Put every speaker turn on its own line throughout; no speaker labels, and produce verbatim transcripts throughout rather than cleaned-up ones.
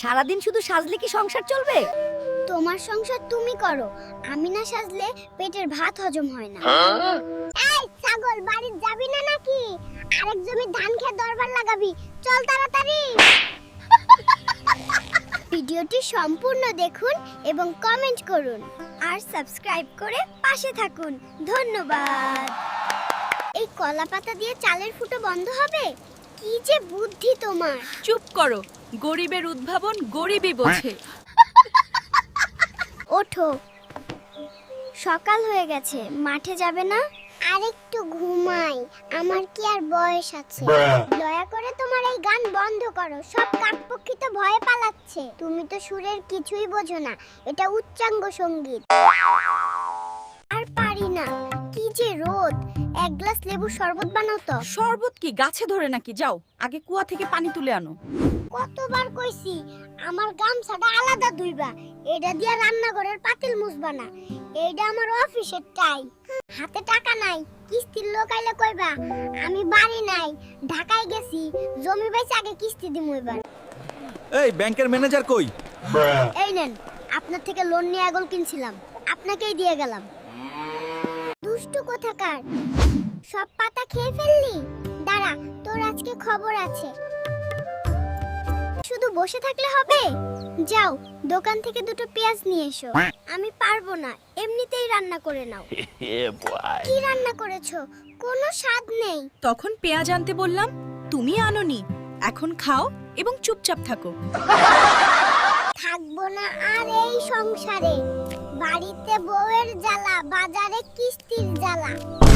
সারাদিন শুধু সাজলে কি সংসার চলবে?
তোমার সংসার তুমি করো, আমি না সাজলে পেটের ভাত হজম হয় না। এই ছাগল, বাড়ি যাবি না নাকি? আরেক জমি ধান খেয়ে দরবার লাগাবি, চল তাড়াতাড়ি। ভিডিওটি সম্পূর্ণ দেখুন এবং কমেন্ট করুন আর সাবস্ক্রাইব করে পাশে থাকুন। ধন্যবাদ। এই কলা পাতা দিয়ে চালের ফুটো বন্ধ হবে? কি যে বুদ্ধি তোমার!
চুপ করো, গরিবের উদ্ভাবন গরিবই বোঝে।
ওঠো, সকাল হয়ে গেছে, মাঠে যাবে না? আরেকটু ঘুমাই, আমার কি আর বয়স আছে? দয়া করে তোমার এই গান বন্ধ করো, সব কাকপক্ষী তো ভয়ে পালাচ্ছে। তুমি তো সুরের কিছুই বোঝো না, এটা উচ্চাঙ্গ সঙ্গীত। আর পারি না, কি যে রোদ! এক গ্লাস লেবু শরবত বানাও তো।
শরবত কি গাছে ধরে নাকি? যাও আগে কুয়া থেকে পানি তুলে আনো।
কতবার কইছি আমার গামছাটা আলাদা ধুইবা, এটা দিয়া রান্নাঘরের পাতিল মুছবা না। এইটা আমার অফিসের টাই। হাতে টাকা নাই, কিস্তির লোক আইলে কইবা আমি বাড়ি নাই, ঢাকায় গেছি, জমি বেচে আগে কিস্তি দিমু এবার।
এই ব্যাংকের ম্যানেজার কই?
এই নেন, আপনার থেকে লোন নিয়ে আগল কিনছিলাম, আপনাকেই দিয়ে গেলাম। দুষ্টু কোথাকার, সব পাতা খেয়ে ফেললি? দাঁড়া, তোর আজকে খবর আছে। শুধু বসে থাকলে হবে? যাও দোকান থেকে দুটো পেঁয়াজ নিয়ে এসো। আমি পারবো না, এমনিতেই রান্না করে নাও। কি রান্না করেছো? কোনো স্বাদ নেই।
তখন পেঁয়াজ আনতে বললাম, তুমি আনোনি। এখন খাও এবং চুপচাপ থাকো।
থাকবো না আর এই সংসারে। বাড়িতে বউয়ের জ্বালা, বাজারে কিস্তির জ্বালা।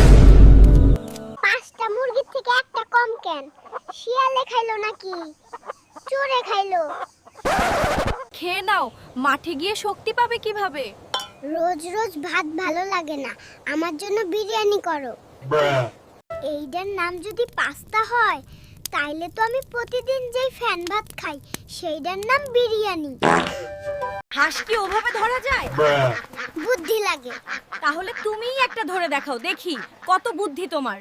পাঁচটা মুরগির থেকে একটা কম কেন? শিয়ালে খাইলো নাকি চোরে খাইলো?
খেয়ে নাও, মাঠে গিয়ে শক্তি পাবে কিভাবে?
রোজ রোজ ভাত ভালো লাগে না, আমার জন্য বিরিয়ানি করো। এইটার নাম যদি পাস্তা হয়, তাইলে তো আমি প্রতিদিন যেই ফ্যান ভাত খাই সেইটার নাম বিরিয়ানি।
হাঁস কি ওভাবে ধরা যায়?
বুদ্ধি লাগে।
তাহলে তুমিই একটা ধরে দেখাও, দেখি কত বুদ্ধি তোমার।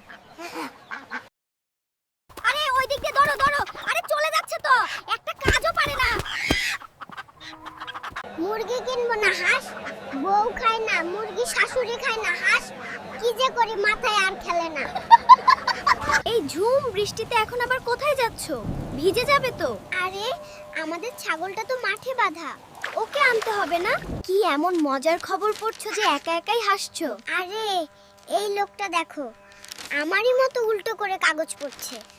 আরে ওই দিক দিয়ে ধরো ধরো, আরে চলে যাচ্ছে তো, একটা কাজও পারে না। মুরগি কিনবো না হাঁস? বউ খায় না মুরগি, শাশুড়ি খায় না হাঁস, কি যে করি মাথায় আর খেলে না।
এই ঝুম বৃষ্টিতে এখন আবার কোথায় যাচ্ছো? ভিজে যাবে তো।
আরে আমাদের ছাগলটা তো মাঠে বাঁধা, ওকে আনতে হবে না?
কি এমন মজার খবর পড়ছো যে একা একাই হাসছো?
আরে এই লোকটা দেখো, আমারই মতো উল্টো করে কাগজ পড়ছে।